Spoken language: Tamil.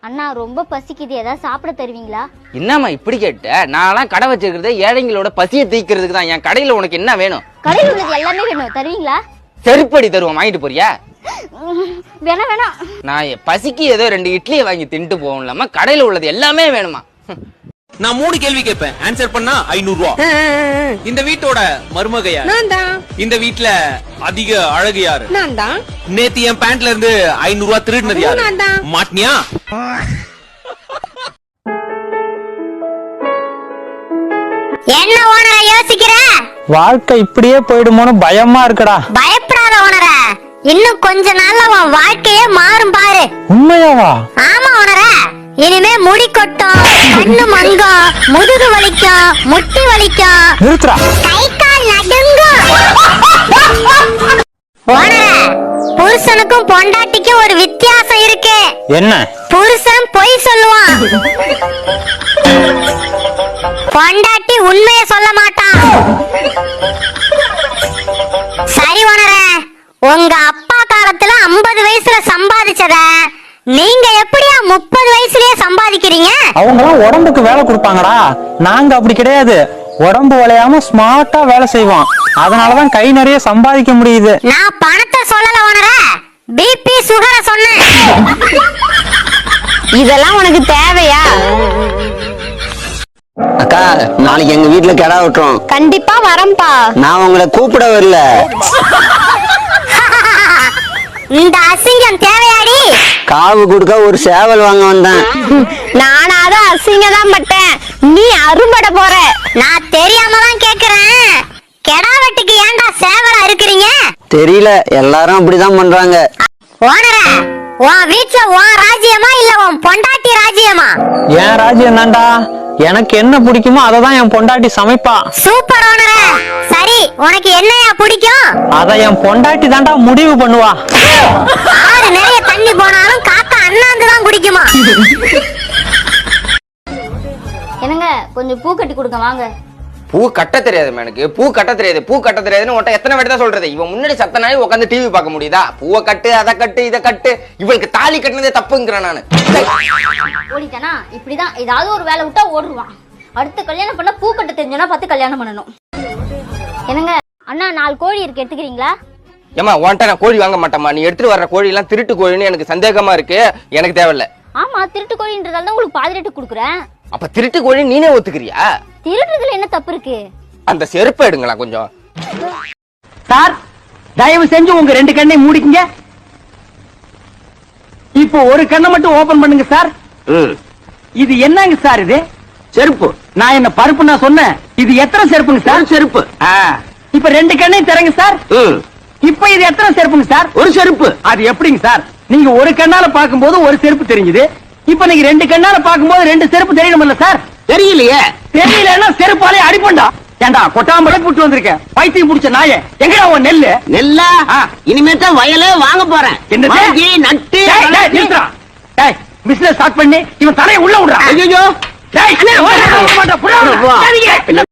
அண்ணா ரொம்ப பசிக்குது, ஏதாவது சாப்பிட தருவீங்களா? என்னம்மா இப்படி கேட்ட? நான்லாம் கடை வச்சிருக்கிறது ஏழைங்களோட பசியை தீக்கிறதுக்கு தான். என் கடையில உனக்கு என்ன வேணும்? கடையில் உள்ளது எல்லாமே வேணும், தருவீங்களா? செருப்படி தருவோம், வாங்கிட்டு போறியா? வேணாம் வேணாம். நான் பசிக்கு ஏதோ 2 இட்லியை வாங்கி தின்ட்டு போகலாமா? கடையில உள்ளது எல்லாமே வேணுமா? நான் 3 கேள்வி கேட்பேன், ஆன்சர் பண்ணா 500 ரூபா. இந்த வீட்டோட மருமக யார்? நான் தான். இந்த வீட்ல அதிக அழகு யாரு? நான் தான். நேத்து என் பேண்ட்ல இருந்து 500 ரூபா திருடினது யாரு? நான் தான். மாட்டினியா? என்ன ஓனர யோசிக்கிற? வாழ்க்கை இப்படியே போயிடுமோன்னு பயமா இருக்குடா. பயப்படாத ஓனர, இன்னும் கொஞ்ச நாள்ல உன் வாழ்க்கையே மாறும் பாரு. உண்மையாவா? ஆமா ஓனர, இனிமே முடி கொட்டும், கண்ணு மங்கும், முதுகு வலிக்கும், முட்டி வலிக்கும், நிறுத்துறா. கை கால் நடுங்கும். ஓனர, புருஷனுக்கும் பொண்டாட்டிக்கும் ஒரு வித்தியாசம் இருக்கு. என்ன? புருஷன் பொய் சொல்லுவான், பொண்டாட்டி உண்மையை சொல்ல மாட்டான். சரி ஓனர, உங்க அப்பா காலத்துல 50 வயசுல சம்பாதிச்சத நீங்க எப்படியா 30 வயசுலயே சம்பாதிக்கிறீங்க? அவங்கலாம் உடம்புக்கு வேலை கொடுப்பாங்கடா. நாங்க அப்படி கிடையாது. உடம்பு வளையாம ஸ்மார்ட்டா வேலை செய்வோம். அதனாலதான் கை நிறைய சம்பாதிக்க முடியுது. நான் பணத்தை சொல்லல ஓனர, பிபி சுகர சொன்னேன். இதெல்லாம் உனக்கு தேவையா? அக்கா, நாளைக்கு எங்க வீட்டுல கிடா விட்டுறோம். கண்டிப்பா வரம்பா. நான் உங்களை கூப்பிட வரல. இந்த அசிங்கம் தேவையாடி? காவு கொடுக்க ஒரு சேவல் வாங்க வந்தேன். நானாவது அசிங்கம் தான் பட்டேன், நீ அறுபட போற. நான் தெரியாம தான் கேக்குறேன், கெடா வெட்டுக்கு ஏன்டா சேவலா இருக்கிறீங்க? தெரியல, எல்லாரும் அப்படிதான் பண்றாங்க. ஓனர, உன் வீட்டுல உன் ராஜ்யமா இல்ல உன் பொண்டாட்டி ராஜ்யமா? என் ராஜ்யம் தான்டா. எனக்கு என்ன பிடிக்குமோ அததான் என் பொண்டாட்டி சமைப்பா. சூப்பர் ஓனர. சரி, உனக்கு என்னையா பிடிக்கும்? அத என் பொண்டாட்டி தான்டா முடிவு பண்ணுவா. ஆறு நிறைய தண்ணி போனாலும் காக்கா அண்ணாந்து தான் குடிக்குமா? என்னங்க கொஞ்சம் பூ கட்டி கொடுங்க வாங்க. பூ கட்ட தெரியாது எனக்கு. பூ கட்ட தெரியாது. பூ கட்ட தெரியாதுன்னு உன்ட்ட எத்தனை வாட்டி தான் சொல்றது? இவன் முன்னாடி சத்த நாய் உட்காந்து டிவி பார்க்க முடியுதா? பூவை கட்டு, அதை கட்டு, இதை கட்டு. இவளுக்கு தாலி கட்டினதே தப்புங்கிறேன் நானு. ஓடிட்டானா? இப்படிதான் ஏதாவது ஒரு வேலை விட்டா ஓடுவான். அடுத்து கல்யாணம் பண்ண பூ கட்ட தெரிஞ்சோன்னா பார்த்து கல்யாணம் பண்ணணும். என்னங்க அண்ணா 4 கோழி இருக்கு, எடுத்துக்கிறீங்களா? ஏமா உன்ட்ட நான் கோழி வாங்க மாட்டேமா. நீ எடுத்துட்டு வர்ற கோழி எல்லாம் திருட்டு கோழின்னு எனக்கு சந்தேகமா இருக்கு. எனக்கு தேவையில்ல. ஆமா, திருட்டு கோழின்றதால தான் உங்களுக்கு பாதி ரேட்டு கொடுக்குறேன். அப்ப திருட்டு கோழி நீனே ஒத்துக்கிறியா? திருடுறதுல என்ன தப்பு இருக்கு? அந்த செருப்பை எடுங்களா கொஞ்சம். சார், தயவு செஞ்சு உங்க 2 கண்ணை மூடிக்கங்க. இப்போ ஒரு கண்ணை மட்டும் ஓபன் பண்ணுங்க சார். இது என்னங்க சார்? இது செருப்பு. நான் என்ன பருப்பு நான் சொன்னேன்? இது எத்தனை செருப்புங்க சார்? செருப்பு. இப்ப 2 கண்ணையும் திறங்க சார். இப்ப இது எத்தனை செருப்புங்க சார்? ஒரு செருப்பு. அது எப்படிங்க சார்? நீங்க ஒரு கண்ணால பாக்கும்போது ஒரு செருப்பு தெரிஞ்சது. இப்ப நீங்க 2 கண்ணால பாக்கும்போது 2 செருப்பு தெரியணும்ல சார்? தெரியலையே. தெரியலன்னா செருப்பாலே அடிப்பண்டா. ஏண்டா கொட்டாம்பளை புட்டு வந்திருக்கேன், பைத்தியம் புடிச்ச நாயே. எங்கடா உன் நெல்லு? நெல்லா? இனிமேட்டா வயலே வாங்க போறேன். நட்டு பிசினஸ் ஸ்டார்ட் பண்ணி இவன் தலையை உள்ள விடுறான். ஐயோ,